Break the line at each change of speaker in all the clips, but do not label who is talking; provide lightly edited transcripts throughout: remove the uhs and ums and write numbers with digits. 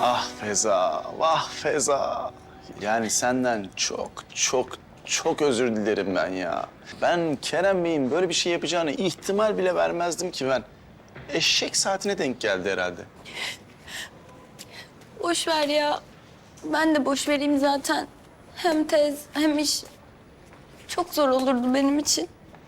Ah Feza, vah Feza. Yani senden çok özür dilerim ben ya. Ben Kerem Bey'in böyle bir şey yapacağını ihtimal bile vermezdim ki ben. Eşek saatine denk geldi herhalde.
Boş ver ya. Ben de boş vereyim zaten. Hem tez hem iş. Çok zor olurdu benim için.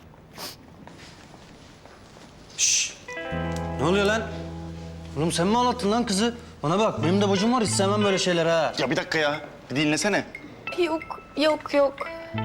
Ne oluyor lan? Oğlum sen mi ağlattın lan kızı? Bana bak benim de bacım var istemem böyle şeyler ha.
Ya bir dakika ya, bir dinlesene.
Yok.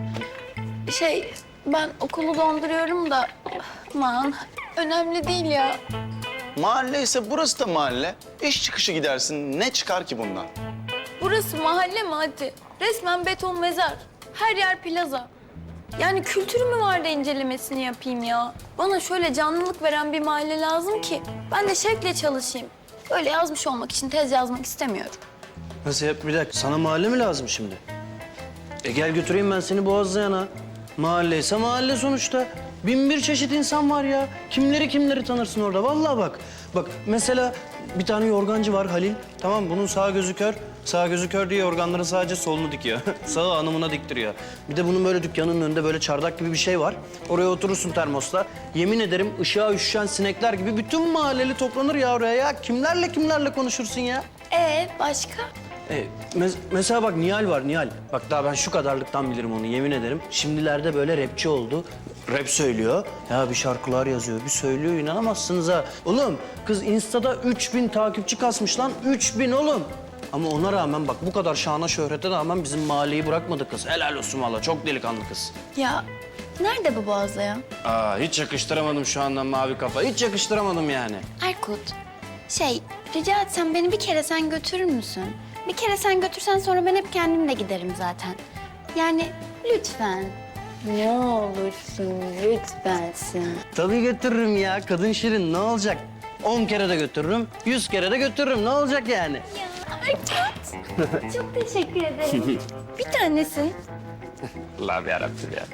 Ben okulu donduruyorum da... Aman önemli değil ya.
Mahalle ise burası da mahalle. İş çıkışı gidersin, ne çıkar ki bundan?
Burası mahalle mi hadi? Resmen beton mezar. Her yer plaza. Yani kültürü mü var da incelemesini yapayım ya? Bana şöyle canlılık veren bir mahalle lazım ki ben de şevkle çalışayım. Böyle yazmış olmak için tez yazmak istemiyorum.
Nasıl yap bir dakika sana mahalle mi lazım şimdi? Gel götüreyim ben seni Boğazlayan'a. Mahalle ise mahalle sonuçta. Bin bir çeşit insan var ya. Kimleri tanırsın orada vallahi bak. Bak mesela bir tane yorgancı var Halil. Tamam bunun sağ gözü kör. Sağ gözü kör diye yorganların sadece solunu dikiyor. Sağı hanımına diktiriyor. Bir de bunun böyle dükkanının önünde böyle çardak gibi bir şey var. Oraya oturursun termosla. Yemin ederim ışığa üşüşen sinekler gibi bütün mahalleli toplanır ya oraya ya. Kimlerle konuşursun ya?
Başka?
Mesela bak Nihal var Nihal. Bak daha ben şu kadarlıktan bilirim onu yemin ederim. Şimdilerde böyle rapçi oldu. Rap söylüyor. Ya bir şarkılar yazıyor, bir söylüyor inanamazsınız ha. Oğlum kız Insta'da 3000 takipçi kasmış lan. 3000 oğlum. Ama ona rağmen bak bu kadar şana şöhrete rağmen bizim mahalleyi bırakmadı kız. Helal olsun valla çok delikanlı kız.
Ya nerede bu Boğazlayan?
Hiç yakıştıramadım şu anda mavi kafa. Hiç yakıştıramadım yani.
Erkut, rica etsem beni bir kere sen götürür müsün? Bir kere sen götürsen sonra ben hep kendim de giderim zaten. Yani lütfen. Ne olursun lütfensin.
Tabii götürürüm ya. Kadın şirin ne olacak? 10 kere de götürürüm, 100 kere de götürürüm. Ne olacak yani?
Ya Erkut, çok teşekkür ederim. Bir tanesin.
Allah'ım yarabbim ya.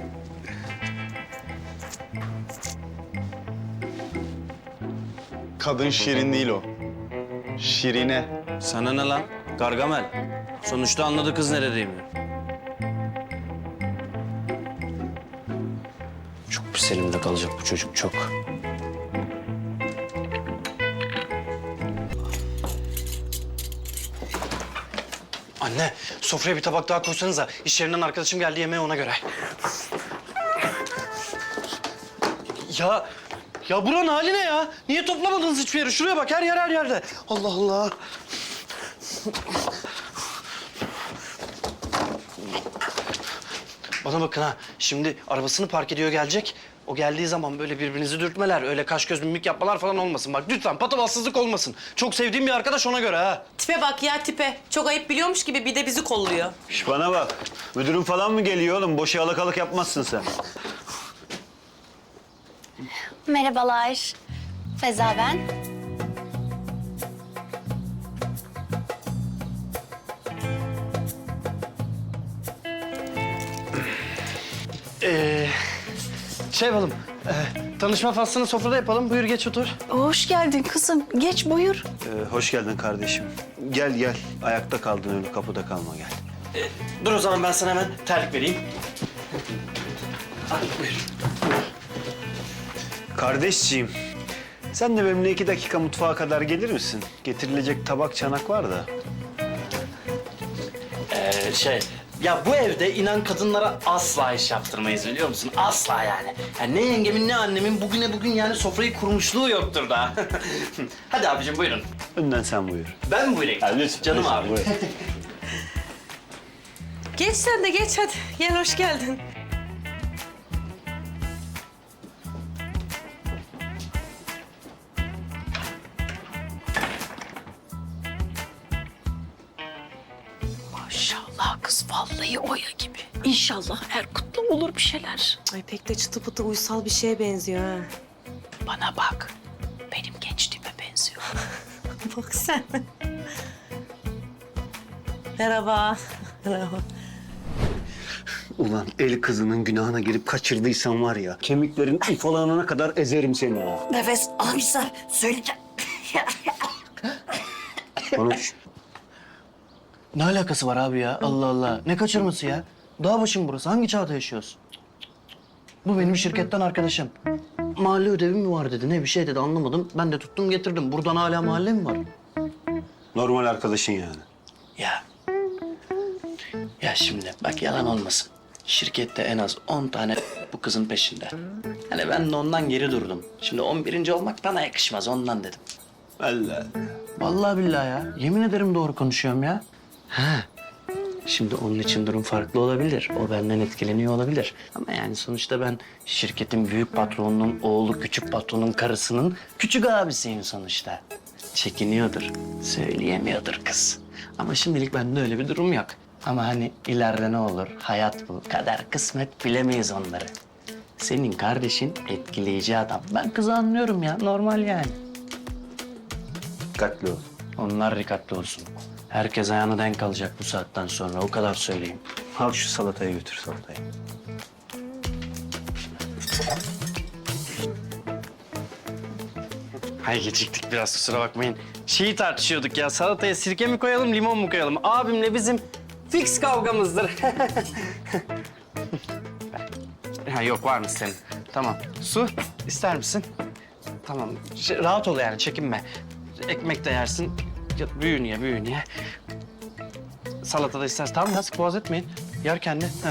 Kadın şirin değil o. Şirine.
Sana ne lan? Gargamel. Sonuçta anladı kız neredeyim. Çok pis elimde kalacak bu çocuk, çok. Anne, sofraya bir tabak daha koysanıza. İş yerinden arkadaşım geldi yemeğe ona göre. Ya buranın hali ne ya? Niye toplamadınız hiçbir yeri? Şuraya bak, her yerde. Allah Allah. Bana bakın ha, şimdi arabasını park ediyor gelecek. O geldiği zaman böyle birbirinizi dürtmeler, öyle kaş göz mimik yapmalar falan olmasın. Bak lütfen patavatsızlık olmasın. Çok sevdiğim bir arkadaş ona göre ha.
Tipe bak ya tipe. Çok ayıp biliyormuş gibi bir de bizi kolluyor.
Şş, bana bak. Müdürün falan mı geliyor oğlum? Boş yalakalık yapmazsın sen.
Merhabalar. Feza ben.
Şey yapalım, tanışma faslını sofrada yapalım. Buyur geç otur.
Hoş geldin kızım. Geç buyur.
Hoş geldin kardeşim. Gel. Ayakta kaldın öyle kapıda kalma gel.
Dur o zaman ben sana hemen terlik vereyim. Al buyur.
Kardeşciğim, sen de benimle 2 dakika mutfağa kadar gelir misin? Getirilecek tabak çanak var da.
Ya bu evde inan kadınlara asla iş yaptırmayız biliyor musun? Asla yani. Ne yengemin ne annemin bugün yani sofrayı kurmuşluğu yoktur da. Hadi abicim buyurun.
Önden sen buyur.
Ben mi buyurayım?
Lütfen,
Canım
lütfen,
abi.
buyur.
Geç sen de geç hadi. Gel hoş geldin.
Maşallah kız vallahi Oya gibi. İnşallah Erkut'la olur bir şeyler.
Ay pek de çıtı pıtı uysal bir şeye benziyor ha.
Bana bak. Benim gençliğime benziyor.
Bak sen. Merhaba. Merhaba.
Ulan el kızının günahına girip kaçırdıysan var ya, kemiklerin ufalanana kadar ezerim seni ha.
Nefes almışlar. Söyleyeceğim.
Konuş.
Ne alakası var abi ya? Allah Allah. Ne kaçırması ya? Dağ başı mı burası? Hangi çağda yaşıyoruz? Bu benim şirketten arkadaşım. Mahalle ödevi mi var dedi. Ne bir şey dedi anlamadım. Ben de tuttum getirdim. Buradan hala mahalle mi var?
Normal arkadaşın yani.
Ya. Ya şimdi bak yalan olmasın. Şirkette en az 10 tane bu kızın peşinde. Hani ben de ondan geri durdum. Şimdi 11. olmak bana yakışmaz ondan dedim.
Allah.
Vallahi billahi ya. Yemin ederim doğru konuşuyorum ya. Ha. Şimdi onun için durum farklı olabilir. O benden etkileniyor olabilir. Ama yani sonuçta ben şirketin büyük patronunun oğlu küçük patronun karısının küçük abisiyim sonuçta. Çekiniyordur, söyleyemiyordur kız. Ama şimdilik bende öyle bir durum yok. Ama hani ileride ne olur? Hayat bu. Kader, kısmet bilemeyiz onları. Senin kardeşin etkileyici adam. Ben kızı anlıyorum ya. Normal yani.
Dikkatli ol.
Onlar dikkatli olsun. Herkes ayağına denk alacak bu saatten sonra. O kadar söyleyeyim.
Al şu salatayı götür salatayı.
Hay geciktik biraz kusura bakmayın. Şeyi tartışıyorduk ya. Salataya sirke mi koyalım, limon mu koyalım? Abimle bizim fix kavgamızdır. Ha, yok var mı senin? Tamam. Su ister misin? Tamam. Rahat ol yani çekinme. Ekmek de yersin. Ya, büyüğünü ye, büyüğünü ye. Salata da istersen. Tamam ya sık boğaz etmeyin. Yer kendi. Heh.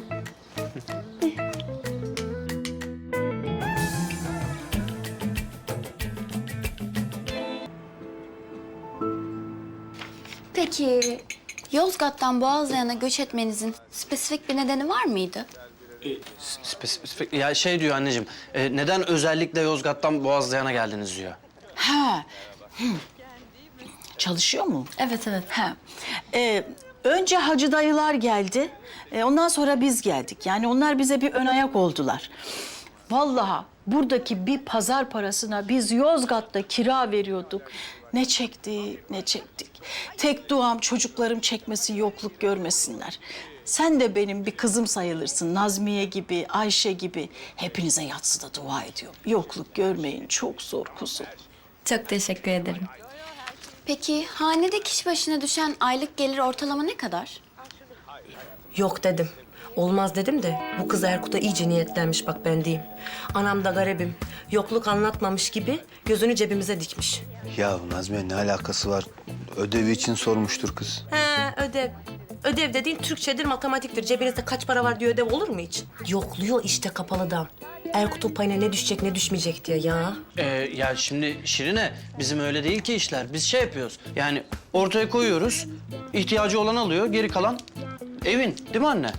Peki Yozgat'tan Boğazlayan'a göç etmenizin spesifik bir nedeni var mıydı?
Spesifik ya şey diyor anneciğim. Neden özellikle Yozgat'tan Boğazlayan'a geldiniz diyor.
Ha. Çalışıyor mu?
Evet evet.
Ha. Önce hacı dayılar geldi. Ondan sonra biz geldik. Yani onlar bize bir ön ayak oldular. Vallahi buradaki bir pazar parasına biz Yozgat'ta kira veriyorduk. Ne çektik, ne çektik. Tek duam çocuklarım çekmesin, yokluk görmesinler. Sen de benim bir kızım sayılırsın. Nazmiye gibi, Ayşe gibi. Hepinize yatsıda dua ediyorum. Yokluk görmeyin, çok zor kuzum.
Çok teşekkür ederim. Peki hanede kişi başına düşen aylık gelir ortalama ne kadar?
Yok dedim. Olmaz dedim de bu kız Erkut'a iyice niyetlenmiş bak ben diyeyim. Anam da garibim. Yokluk anlatmamış gibi gözünü cebimize dikmiş.
Ya Nazmiye ne alakası var? Ödevi için sormuştur kız.
He ödev. Ödev dediğin Türkçedir, matematiktir. Cebinizde kaç para var diye ödev olur mu hiç? Yokluyor işte kapalıdan. Erkut'un payına ne düşecek ne düşmeyecek diye ya.
Ya şimdi Şirine bizim öyle değil ki işler. Biz şey yapıyoruz. Yani ortaya koyuyoruz. İhtiyacı olan alıyor. Geri kalan evin. Değil mi anne?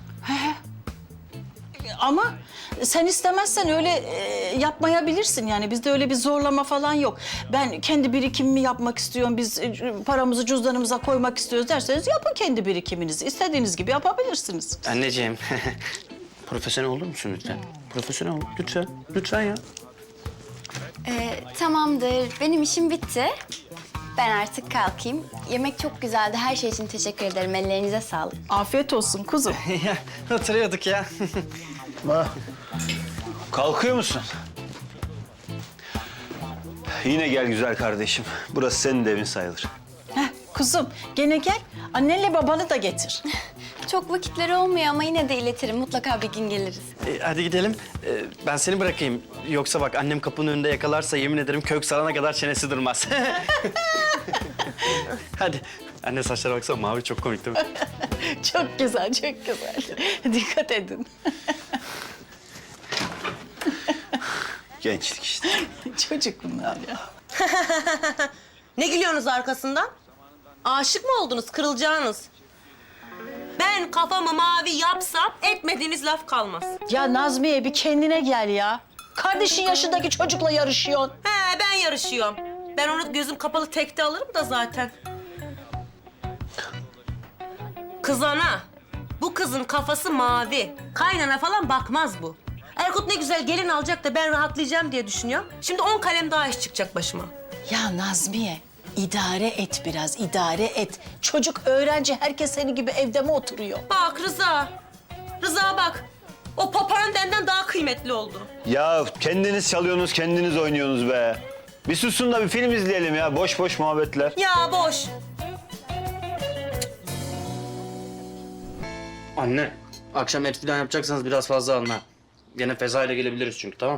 Ama sen istemezsen öyle yapmayabilirsin yani. Bizde öyle bir zorlama falan yok. Ben kendi birikimimi yapmak istiyorum, biz paramızı cüzdanımıza koymak istiyoruz derseniz yapın kendi birikiminizi. İstediğiniz gibi yapabilirsiniz.
Anneciğim. Profesyonel olur musun lütfen? Profesyonel ol. Lütfen. Lütfen ya.
Tamamdır. Benim işim bitti. Ben artık kalkayım. Yemek çok güzeldi. Her şey için teşekkür ederim. Ellerinize sağlık.
Afiyet olsun kuzum.
Ya hatırlıyorduk ya.
Kalkıyor musun? Yine gel güzel kardeşim. Burası senin de evin sayılır.
Heh, kuzum gene gel. Annenle babanı da getir.
Çok vakitleri olmuyor ama yine de iletirim. Mutlaka bir gün geliriz.
Hadi gidelim. Ben seni bırakayım. Yoksa bak annem kapının önünde yakalarsa yemin ederim kök salana kadar çenesi durmaz. Hadi. Anne saçlara baksana mavi çok komik değil mi?
Çok güzel, çok güzel. Dikkat edin.
Gençlik işte.
Çocuk bunlar ya.
Ne gülüyorsunuz arkasından? Aşık mı oldunuz, kırılacağınız? Ben kafamı mavi yapsam etmediğiniz laf kalmaz.
Ya Nazmiye bir kendine gel ya. Kardeşin yaşındaki çocukla yarışıyorsun.
He ben yarışıyorum. Ben onu gözüm kapalı tekte alırım da zaten. Kız ana, bu kızın kafası mavi. Kaynana falan bakmaz bu. Erkut ne güzel gelin alacak da ben rahatlayacağım diye düşünüyorum. Şimdi 10 kalem daha iş çıkacak başıma.
Ya Nazmiye, idare et biraz, idare et. Çocuk öğrenci, herkes senin gibi evde mi oturuyor?
Bak Rıza, Rıza bak. O papağan benden daha kıymetli oldu.
Ya kendiniz çalıyorsunuz, kendiniz oynuyorsunuz be. Bir susun da bir film izleyelim ya. Boş boş muhabbetler.
Ya boş.
Anne, akşam et falan yapacaksanız biraz fazla alın ha. Gene Feza ile gelebiliriz çünkü, tamam?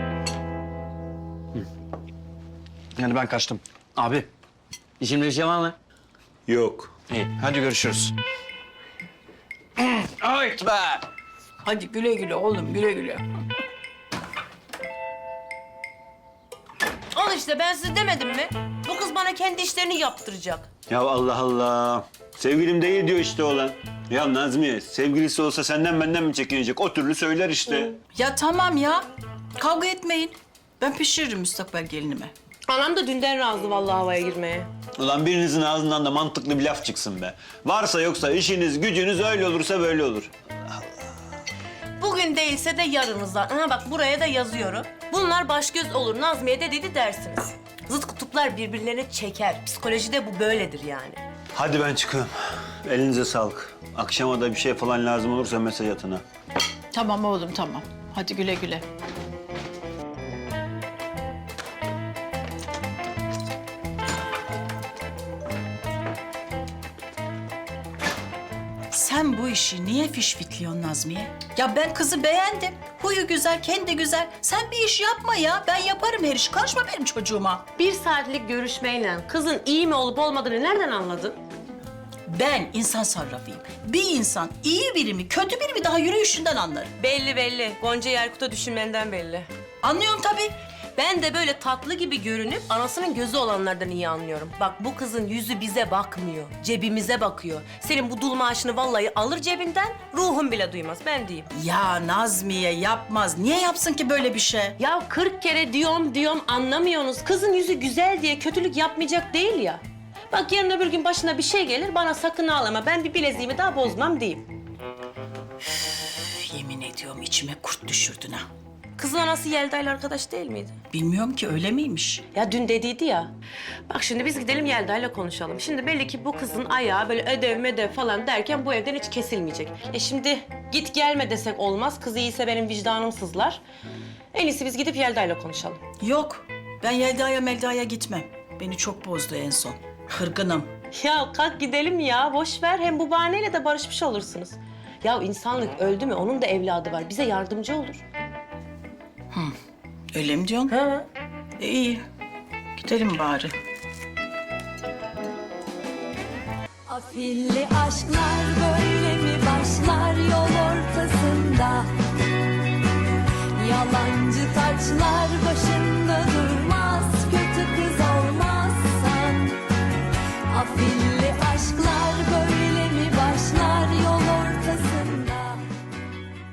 Yani ben kaçtım. Abi, işimde bir şey var mı?
Yok.
İyi, hadi görüşürüz. Ay be!
Hadi güle güle oğlum, güle güle.
Al işte, ben size demedim mi? Bu kız bana kendi işlerini yaptıracak.
Ya Allah Allah. Sevgilim değil diyor işte oğlan. Ya Nazmiye, sevgilisi olsa senden benden mi çekinecek? O türlü söyler işte.
Ya tamam ya. Kavga etmeyin. Ben pişiririm müstakbel gelinime.
Anam da dünden razı vallahi havaya girmeye.
Ulan birinizin ağzından da mantıklı bir laf çıksın be. Varsa yoksa işiniz, gücünüz öyle olursa böyle olur.
Bugün değilse de yarınızdan. Aha bak buraya da yazıyorum. Bunlar baş göz olur, Nazmiye de dedi dersiniz. Zıt kutuplar birbirlerine çeker. Psikolojide bu böyledir yani.
Hadi ben çıkıyorum. Elinize sağlık. Akşama da bir şey falan lazım olursa mesaj atın ha.
Tamam oğlum, tamam. Hadi güle güle. Sen bu işi niye fişfikliyorsun Nazmiye? Ya ben kızı beğendim. Huyu güzel, kendi güzel. Sen bir iş yapma ya. Ben yaparım her işi. Karışma benim çocuğuma.
1 saatlik görüşmeyle kızın iyi mi olup olmadığını nereden anladın?
Ben insan sarrafıyım. Bir insan iyi biri mi, kötü biri mi daha yürüyüşünden anlarım.
Belli belli. Gonca Yerkut'a düşünmenden belli.
Anlıyorum tabii.
Ben de böyle tatlı gibi görünüp anasının gözü olanlardan iyi anlıyorum. Bak bu kızın yüzü bize bakmıyor, cebimize bakıyor. Senin bu dul maaşını vallahi alır cebinden, ruhun bile duymaz, ben diyeyim.
Ya Nazmiye yapmaz. Niye yapsın ki böyle bir şey?
Ya 40 kere diyorum anlamıyorsunuz. Kızın yüzü güzel diye kötülük yapmayacak değil ya. Bak yarın öbür gün başına bir şey gelir, bana sakın ağlama. Ben bir bileziğimi daha bozmam diyeyim.
Üf, yemin ediyorum içime kurt düşürdün ha.
Kızın anası Yelda'yla arkadaş değil miydi?
Bilmiyorum ki öyle miymiş?
Ya dün dediydi ya. Bak şimdi biz gidelim Yelda'yla konuşalım. Şimdi belli ki bu kızın ayağı böyle ödev medev falan derken bu evden hiç kesilmeyecek. Şimdi git gelme desek olmaz. Kız iyiyse benim vicdanım sızlar. En iyisi biz gidip Yelda'yla konuşalım.
Yok. Ben Yelda'ya Melda'ya gitmem. Beni çok bozdu en son. Kırgınım.
Ya kalk gidelim ya. Boş ver. Hem bu bahaneyle de barışmış olursunuz. Ya insanlık öldü mü? Onun da evladı var. Bize yardımcı olur.
Öyle mi diyorsun?
Ha?
İyi. Gidelim bari.
Afilli aşklar böyle mi başlar yol ortasında? Yalancı taçlar başında durmaz, kötü kız